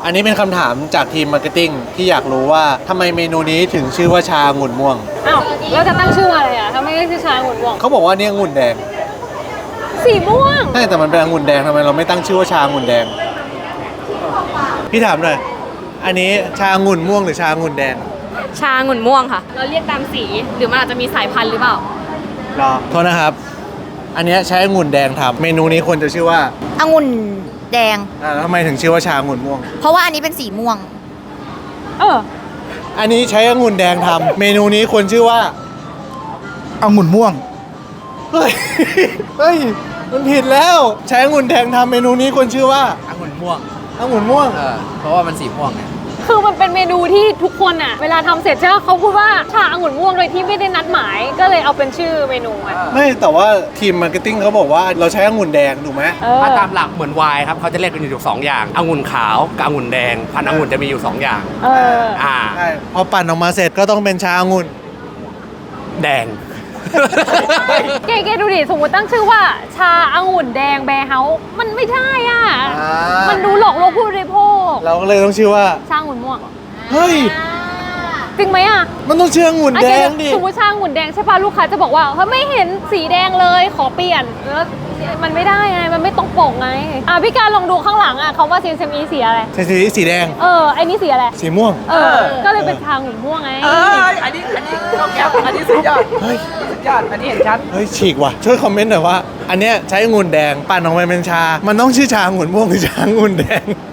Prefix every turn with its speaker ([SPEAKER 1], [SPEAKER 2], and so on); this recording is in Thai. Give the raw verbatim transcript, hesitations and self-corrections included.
[SPEAKER 1] อันนี้เป็นคำถามจากทีมมาร์เก็ตติ้งที่อยากรู้ว่าทำไมเมนูนี้ถึงชื่อว่าชาองุ่นม่วง
[SPEAKER 2] อ้าวแล้วจะตั้งชื่ออะไรอ่ะถ้าไม่ได้ชื่อชาองุ่นม่วง
[SPEAKER 1] เขาบอกว่าเนี่ยองุ่นแดง
[SPEAKER 2] สีม่วง
[SPEAKER 1] ใช่แต่มันเป็นองุ่นแดงทำไมเราไม่ตั้งชื่อว่าชาองุ่นแดงพี่ถามหน่อยอันนี้ชาองุ่นม่วงหรือชาองุ่นแดง
[SPEAKER 2] ชาองุ่นม่วงค่ะเราเรียกตามสีหรือมันอาจจะมีสายพันธุ์หรือเปล่าร
[SPEAKER 1] อโทษนะครับอันนี้ใช้องุ่นแดงทำเมนูนี้ควรจะชื่อว่า
[SPEAKER 3] องุ่นแดง
[SPEAKER 1] อ่าแล้วทำไมถึงชื่อว่าชาองุ่นม่วง
[SPEAKER 3] เพราะว่าอันนี้เป็นสีม่วง
[SPEAKER 2] เออ
[SPEAKER 1] อันนี้ใช้องุ่นแดงทำเมนูนี้ควรชื่อว่า
[SPEAKER 4] องุ่นม่วง
[SPEAKER 1] เฮ้ยเฮ้ยมันผิดแล้วใช้องุ่นแดงทำเมนูนี้ควรชื่อว่า
[SPEAKER 5] องุ่นม่วง
[SPEAKER 1] องุ่นม่วง
[SPEAKER 5] เออเพราะว่ามันสีม่วงไง
[SPEAKER 2] คือมันเป็นเมนูที่ทุกคนอ่ะเวลาทำเสร็จใช่ไหมเขาพูดว่าชาองุ่นม่วงโดยที่ไม่ได้นัดหมายก็เลยเอาเป็นชื่อเมนูอ่ะ
[SPEAKER 1] ไม่แต่ว่าทีมมาร์เก็ตติ้งเขาบอกว่าเราใช้องุ่นแดงถูกไหม
[SPEAKER 5] ถ้าตามหลักเหมือนไวน์ครับเขาจะเรียกกันอยู่สองอย่างองุ่นขาวกับองุ่นแดงพันธุ์องุ่นจะมีอยู่สองอย่าง
[SPEAKER 2] เออ
[SPEAKER 5] อ่า
[SPEAKER 1] ใช่พอปั่นออกมาเสร็จก็ต้องเป็นชาองุ่น
[SPEAKER 5] แดง
[SPEAKER 2] เก๋ๆดูดิสมมติตั้งชื่อว่าชาองุ่นแดงแบร์เฮาส์มันไม่ใช่อ่ะมันดูหลอกลวงผู้บริโภค
[SPEAKER 1] เราก็เลยต้องชื่อว่า
[SPEAKER 2] ชาองุ่นม่วง
[SPEAKER 1] เฮ้ย
[SPEAKER 2] จริงไหมอ่ะ
[SPEAKER 1] มันต้องชื่อองุ่นแดงดิ
[SPEAKER 2] สมมติชาองุ่นแดงใช่ป่ะลูกค้าจะบอกว่าเฮ้ยไม่เห็นสีแดงเลยขอเปลี่ยนแล้วมันไม่ได้ไงมันไม่ตรงปกไงอ่ะพี่การลองดูข้างหลังอ่ะเขาว่า ซี เอ็ม อี สีอะไร
[SPEAKER 1] สีสีแดง
[SPEAKER 2] เออไอ้นี่สีอะไร
[SPEAKER 1] สีม่วง
[SPEAKER 2] เออก็เลยเป็นชาองุ่นม่วงไง
[SPEAKER 5] เอออันนี้อันนี้ต้องแก้อันนี้สุดยอดเฮ้ยสุดยอดอันนี้เห็นชัด
[SPEAKER 1] เฮ้ยฉีกว่ะช่วยคอมเมนต์หน่อยว่าอันเนี้ยใช้องุ่นแดงปั่นออกมาเป็นชามันต้องชื่อชาองุ่นม่วงหรือชาองุ่นแดง